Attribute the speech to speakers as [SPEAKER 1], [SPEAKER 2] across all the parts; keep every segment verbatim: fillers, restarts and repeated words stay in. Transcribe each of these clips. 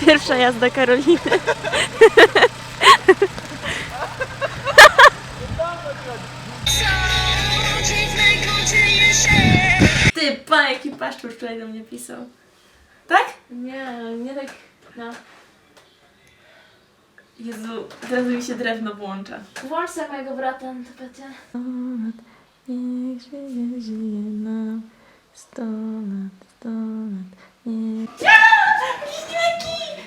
[SPEAKER 1] Pierwsza jazda Karoliny. Ty, pan jaki paszczur wczoraj do mnie pisał. Tak? Nie, nie tak, no. Jezu, teraz mi się drewno włącza. Włącz sobie mojego brata na tapecie. Sto lat, niech żyje, żyje nam. Sto lat, sto lat, niech... Bliźniaki!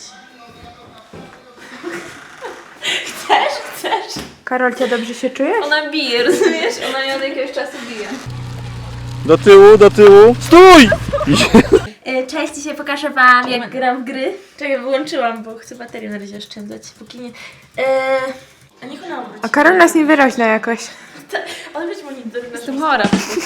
[SPEAKER 1] Chcesz? Chcesz?
[SPEAKER 2] Karolcia, dobrze się czujesz?
[SPEAKER 1] Ona bije, rozumiesz? Ona mnie od jakiegoś czasu bije.
[SPEAKER 3] Do tyłu, do tyłu. Stój!
[SPEAKER 1] Cześć, dzisiaj pokażę wam, jak gram w gry. Czekaj, wyłączyłam, bo chcę baterię na razie oszczędzać, póki nie... Eee, a niech ona obróci.
[SPEAKER 2] A Karol nas niewyraźna jakoś.
[SPEAKER 1] Odwróć monitor.
[SPEAKER 2] Jestem chora.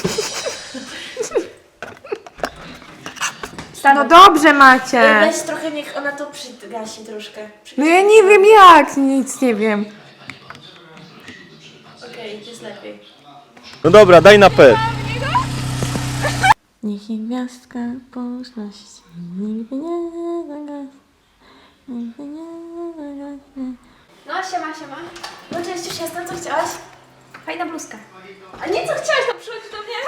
[SPEAKER 2] No dobrze macie.
[SPEAKER 1] Weź trochę, niech ona to przygasi troszkę.
[SPEAKER 2] No ja nie wiem jak, nic nie wiem.
[SPEAKER 1] Okej, okay, jest lepiej.
[SPEAKER 3] No dobra, daj na P.
[SPEAKER 1] Niech jej gwiazdka poszłości nigdy nie zagasnie, nigdy nie zagasnie. No, siema, siema. No cześć, już jestem, co chciałaś? Fajna bluzka. A nie, co chciałaś, to przychodź do mnie.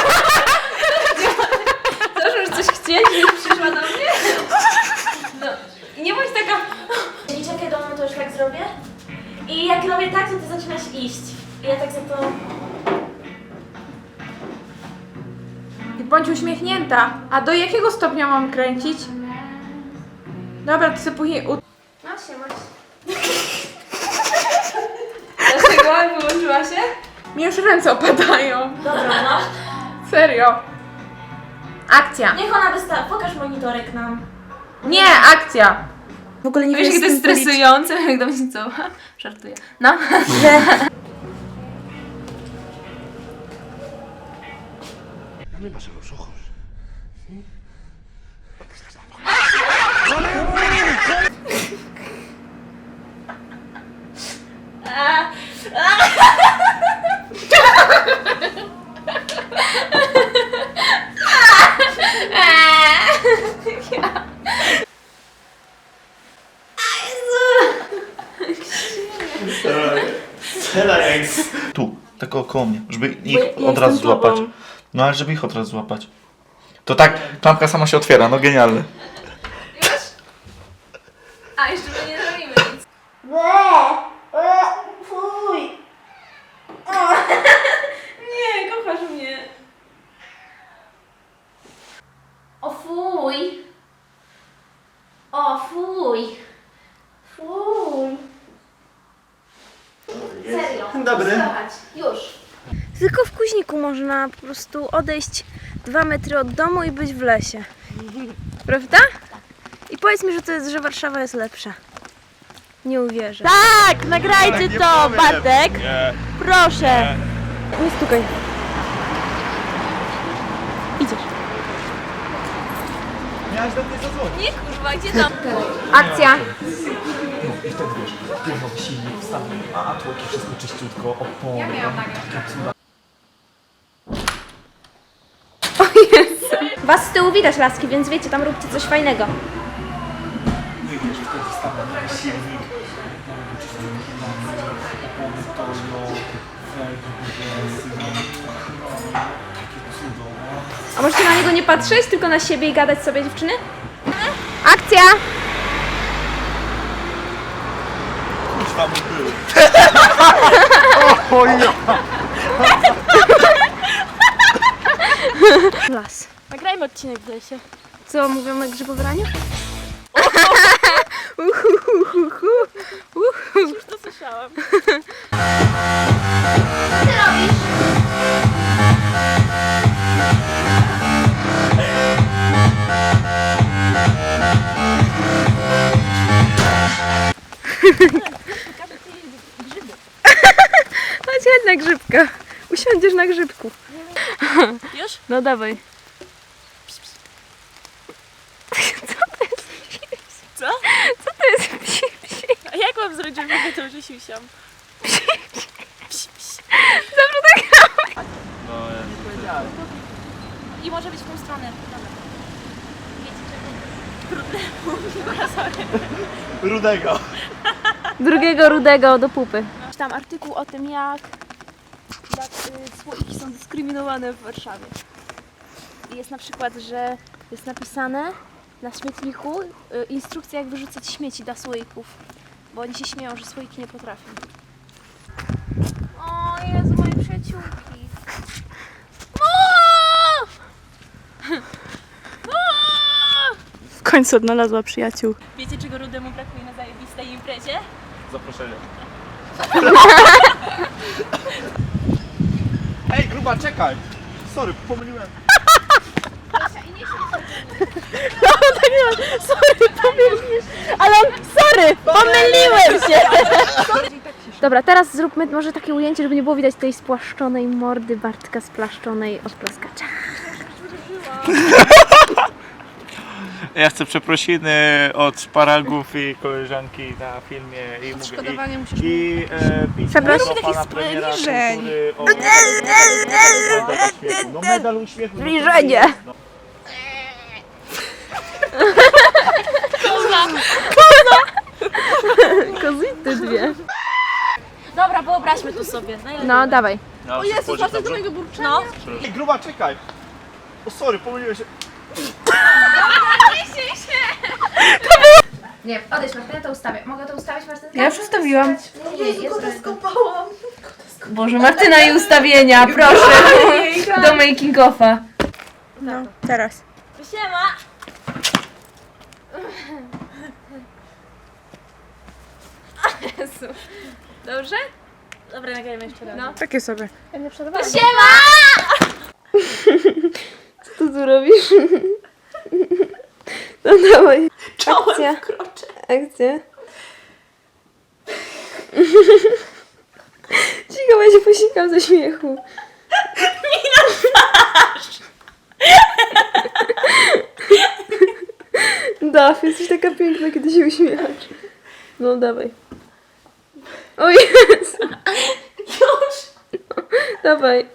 [SPEAKER 1] Zawsze już coś chcieć, żebyś przyszła do mnie? No, nie bądź taka... I czekaj do mnie, to już tak zrobię. I jak robię tak, to ty zaczynasz iść. I ja tak za to...
[SPEAKER 2] I bądź uśmiechnięta. A do jakiego stopnia mam kręcić? Dobra, to sobie później u...
[SPEAKER 1] No, siema. Dlaczego? Wyłączyła się?
[SPEAKER 2] Mi już ręce opadają.
[SPEAKER 1] Dobra, no.
[SPEAKER 2] Serio. Akcja.
[SPEAKER 1] Niech ona wystawi. Pokaż monitorek nam.
[SPEAKER 2] Nie, akcja. W ogóle nie
[SPEAKER 1] Wiesz, jakie to jest stresujące, jak do mnie co? Żartuję. No.
[SPEAKER 3] Tu, tak około mnie, żeby ich
[SPEAKER 1] ja
[SPEAKER 3] od razu
[SPEAKER 1] jestem
[SPEAKER 3] złapać.
[SPEAKER 1] tobą.
[SPEAKER 3] No ale żeby ich od razu złapać. To tak, klamka sama się otwiera, no genialne.
[SPEAKER 1] Już? A, jeszcze my nie zrobimy nic. Fuj. Nie, kochasz mnie. O fuj. O fuj. Fuj. Serio.
[SPEAKER 3] Dobry.
[SPEAKER 1] Wstawać. Już. Tylko w Kuźniku można po prostu odejść dwa metry od domu i być w lesie. Prawda? I powiedz mi, że to jest, że Warszawa jest lepsza. Nie uwierzę. Tak, nagrajcie to, Bartek.
[SPEAKER 3] Nie.
[SPEAKER 1] Proszę. Nie stukaj. Idziesz.
[SPEAKER 3] Miałeś do mnie zadzwonić.
[SPEAKER 1] Nie kurwa, gdzie tam?
[SPEAKER 2] Akcja.
[SPEAKER 4] I wtedy wiesz, pionowy silnik wstawił, a tłoki wszystko czyściutko, opony. Ja miałam
[SPEAKER 1] Was z tyłu widać, laski, więc wiecie, tam róbcie coś fajnego.
[SPEAKER 4] No i wiesz, wtedy wstawiam nowy silnik, nowy czyściutki, opony tono, takie cudo.
[SPEAKER 1] A możecie na niego nie patrzeć, tylko na siebie i gadać sobie, dziewczyny? Akcja!
[SPEAKER 3] Kurwa mu był.
[SPEAKER 1] Las. Nagrajmy odcinek w lesie. Co, mówią o grzybobraniu? Uhuhuhuhu. Już to słyszałam. Co ty robisz? Chodź, chodź na grzybka. Usiądziesz na grzybku. Już? No dawaj. Co to jest psi? Co? Co to jest psi? A jak mam zrobić, żeby wiedział, że siusiam? Zawsze tak robię.
[SPEAKER 3] No, ja
[SPEAKER 1] I może być w tą stronę. Dobra. Wiecie czego?
[SPEAKER 3] Rudego.
[SPEAKER 1] Drugiego rudego do pupy. Czytam artykuł o tym, jak, jak y, słoiki są dyskryminowane w Warszawie. I jest na przykład, że jest napisane na śmietniku y, instrukcja, jak wyrzucać śmieci dla słoików. Bo oni się śmieją, że słoiki nie potrafią. O Jezu, moje przyjaciółki. W końcu odnalazła przyjaciół.
[SPEAKER 5] Wiecie, czego Rudemu brakuje na zajebistej imprezie?
[SPEAKER 3] Zaproszenie.
[SPEAKER 4] Ej, gruba, czekaj! Sorry, pomyliłem.
[SPEAKER 1] Sorry, pomyliłeś. Ale on, sorry, pomyliłem się. Dobra, teraz zróbmy może takie ujęcie, żeby nie było widać tej spłaszczonej mordy Bartka splaszczonej od plaskacza.
[SPEAKER 3] Ja chcę przeprosiny od szparagów i koleżanki na filmie i
[SPEAKER 2] Odszkodowanie
[SPEAKER 3] mówię,
[SPEAKER 2] musisz
[SPEAKER 3] i, i e, pismo
[SPEAKER 1] Przepraszam.
[SPEAKER 3] do pana premiera
[SPEAKER 2] zbliżeń.
[SPEAKER 3] kultury o no medal uśmiechu.
[SPEAKER 1] Zbliżenie.
[SPEAKER 3] No.
[SPEAKER 1] Kozity dwie.
[SPEAKER 5] Dobra, wyobraźmy to sobie.
[SPEAKER 1] No, dawaj.
[SPEAKER 3] O Jezu,
[SPEAKER 2] Patrzę do mojego burczenia.
[SPEAKER 5] No.
[SPEAKER 4] Ej, gruba, czekaj! O, sorry, pomyliłem się.
[SPEAKER 1] Nie, odejdź Martynę, to ustawię. Mogę to ustawić Martynę?
[SPEAKER 2] Ja już ustawiłam.
[SPEAKER 1] Nie, nie, jest skopałam. Boże, Martyna i ustawienia, proszę. Do making offa.
[SPEAKER 2] No, teraz.
[SPEAKER 5] Siema!
[SPEAKER 1] Jezu. Dobrze?
[SPEAKER 5] Dobra, nagrajmy jeszcze raz.
[SPEAKER 1] No.
[SPEAKER 2] Takie sobie.
[SPEAKER 5] Siema!
[SPEAKER 1] Co ty tu robisz? No dawaj. Akcja. Akcja. Cicho, ja się posikam ze śmiechu. Daf, jesteś taka piękna, kiedy się uśmiechasz. No dawaj. O Jezu. Już. No, dawaj.